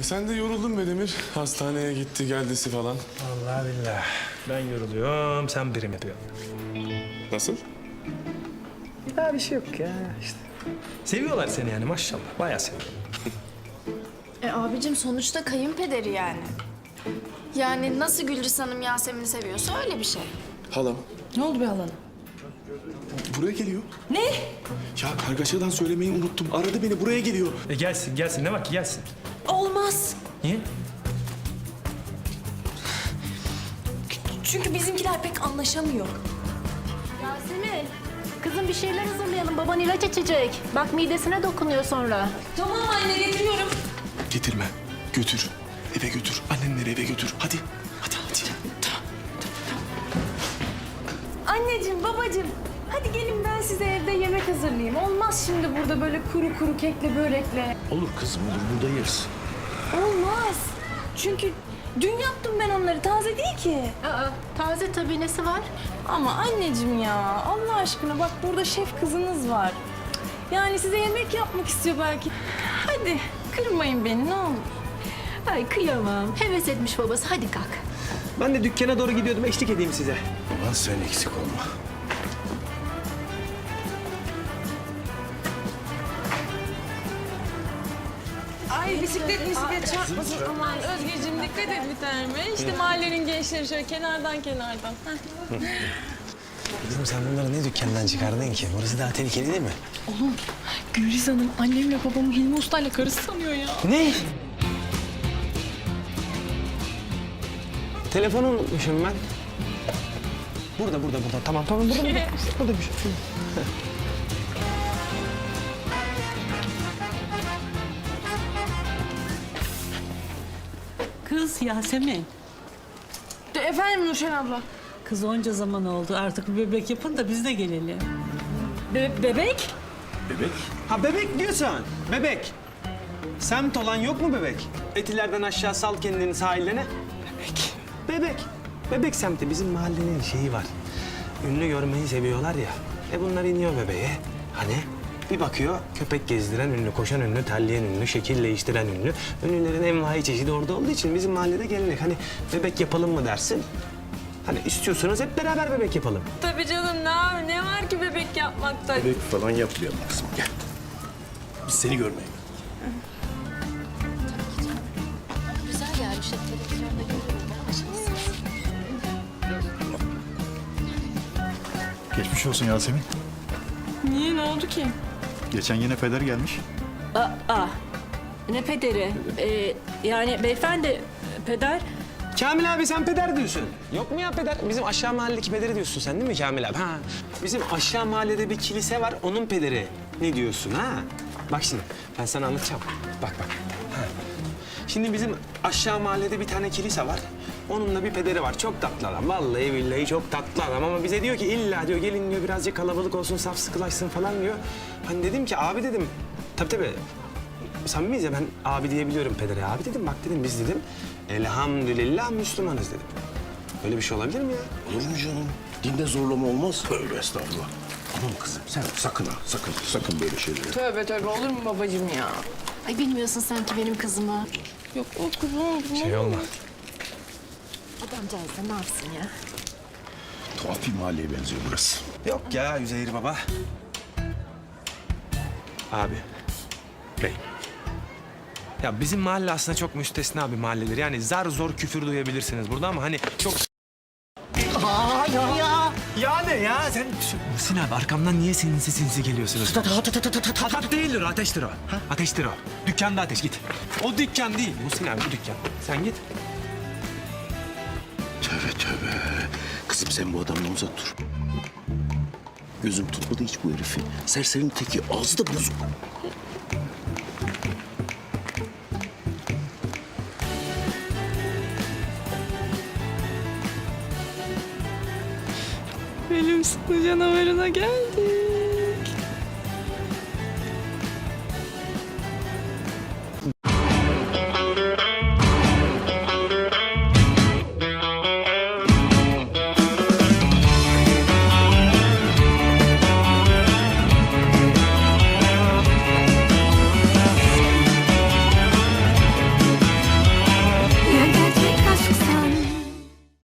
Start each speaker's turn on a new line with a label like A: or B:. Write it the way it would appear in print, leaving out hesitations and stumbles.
A: Sen de yoruldun be Demir. Hastaneye gitti geldisi falan.
B: Vallahi billahi. Ben yoruluyorum, sen birim yapıyorsun.
A: Nasıl?
B: Ya bir şey yok ya işte. Seviyorlar seni yani maşallah. Bayağı seviyorlar.
C: Abicim sonuçta kayınpederi yani. Yani nasıl Gülriz Hanım Yasemin'i seviyorsa öyle bir şey.
A: Halam
D: Ne oldu be halana?
A: buraya geliyor.
D: Ne?
A: Ya kargaşadan söylemeyi unuttum. Aradı beni, buraya geliyor.
B: Gelsin, gelsin. Ne var ki gelsin.
D: Olmaz.
B: Niye?
D: Çünkü bizimkiler pek anlaşamıyor.
E: Yasemin, kızım bir şeyler hazırlayalım. Baban ilaç içecek. Bak midesine dokunuyor sonra.
D: Tamam anne getiriyorum.
A: Getirme. Götür. Eve götür. Annenleri eve götür. Hadi. Hadi hadi.
F: Anneciğim, babacığım, hadi gelin ben size evde yemek hazırlayayım. Olmaz şimdi burada böyle kuru kuru kekle börekle.
G: Olur kızım olur, burada yeriz.
F: Olmaz. Çünkü dün yaptım ben onları, taze değil ki.
E: Aa, taze tabii nesi var?
F: Ama anneciğim ya, Allah aşkına bak burada şef kızınız var. Yani size yemek yapmak istiyor belki. Hadi kırmayın beni ne olur.
E: Ay kıyamam. Heves etmiş babası. Hadi kalk.
B: Ben de dükkana doğru gidiyordum. Eşlik edeyim size.
G: Aman sen eksik olma.
F: Ay bisiklet çarpmasın aman. Özgeciğim dikkat et bir tanem. İşte mahallenin gençleri şöyle kenardan. Heh.
H: Kızım sen bunları ne dükkandan çıkardın ki? Burası daha tehlikeli değil mi?
F: Gülriz Hanım annemle babamı Hilmi Usta'yla karısı sanıyor ya.
H: Ne? Telefonu unutmuşum ben. Burada. Tamam, burada. Burada bir şey.
I: Kız Yasemin,
F: Efendim Nurşen abla.
I: kız onca zaman oldu. Artık bir bebek yapın da biz de gelelim.
F: Bebek?
G: Bebek.
H: Ha bebek diyorsun. Bebek. Semt olan yok mu bebek? Etilerden aşağı sal kendini sahillerine. Bebek. Bebek semti bizim mahallenin şeyi var. Ünlü görmeyi seviyorlar ya. Bunlar iniyor bebeğe. Hani bir bakıyor köpek gezdiren ünlü, koşan ünlü, terleyen ünlü, şekil değiştiren ünlü. Ünlülerin envai çeşidi orada olduğu için bizim mahallede gelenek. Hani bebek yapalım mı dersin? Hani istiyorsanız hep beraber bebek yapalım.
F: Tabii canım ne var ki bebek yapmakta?
G: Bebek falan yapmayalım kızım, gel. Biz seni görmeye.
E: Güzel gelmiş. Televizyonda görüyorum.
J: Geçmiş olsun Yasemin.
F: Niye ne oldu ki?
J: Geçen yine peder gelmiş.
I: Ne pederi? Yani beyefendi, peder.
H: Kamil abi sen peder diyorsun. Yok mu ya peder? Bizim aşağı mahalledeki pederi diyorsun sen değil mi Kamil abi? Ha. Bizim aşağı mahallede bir kilise var, onun pederi. Ne diyorsun ha? Bak şimdi ben sana anlatacağım. Bak. Ha. Şimdi bizim aşağı mahallede bir tane kilise var. Onun da bir pederi var. Çok tatlı adam. Vallahi billahi çok tatlı adam. Ama bize diyor ki illa diyor gelin diyor birazcık kalabalık olsun, saf sıkılaşsın falan diyor. Hani dedim ki abi dedim. Tabii. Samimiyiz ya ben abi diyebiliyorum pedere. Abi dedim bak dedim biz dedim elhamdülillah Müslümanız dedim. Öyle bir şey olabilir mi ya?
G: Olur mu canım? Dinde zorlama olmaz. Tövbe estağfurullah. Aman kızım sen sakın ha, sakın böyle şeyleri.
F: Tövbe olur mu babacığım ya?
C: Ay bilmiyorsun sanki benim kızımı.
F: Yok o kuzum.
H: Şey olmaz.
C: Adamcağız da ne yapsın ya?
G: Tuhaf bir mahalleye benziyor burası.
H: Yok ya Üzeyir baba. Abi. Bey. Ya bizim mahalle aslında çok müstesna bir mahalledir. Yani zar zor küfür duyabilirsiniz burada ama hani çok... Ya ne ya? Sen... Muhsin abi arkamdan niye sinsi geliyorsunuz? Ateş değildir, ateştir o. Ateştir o. Dükkanda ateş git. O dükkan değil. Muhsin abi bu dükkan. Sen git.
G: Tövbe. Kızım sen bu adamdan uzak dur. Gözüm tutmadı hiç bu herifi. Serserinin teki, ağzı da bozuk.
F: Benim sıklı canavarına geldi.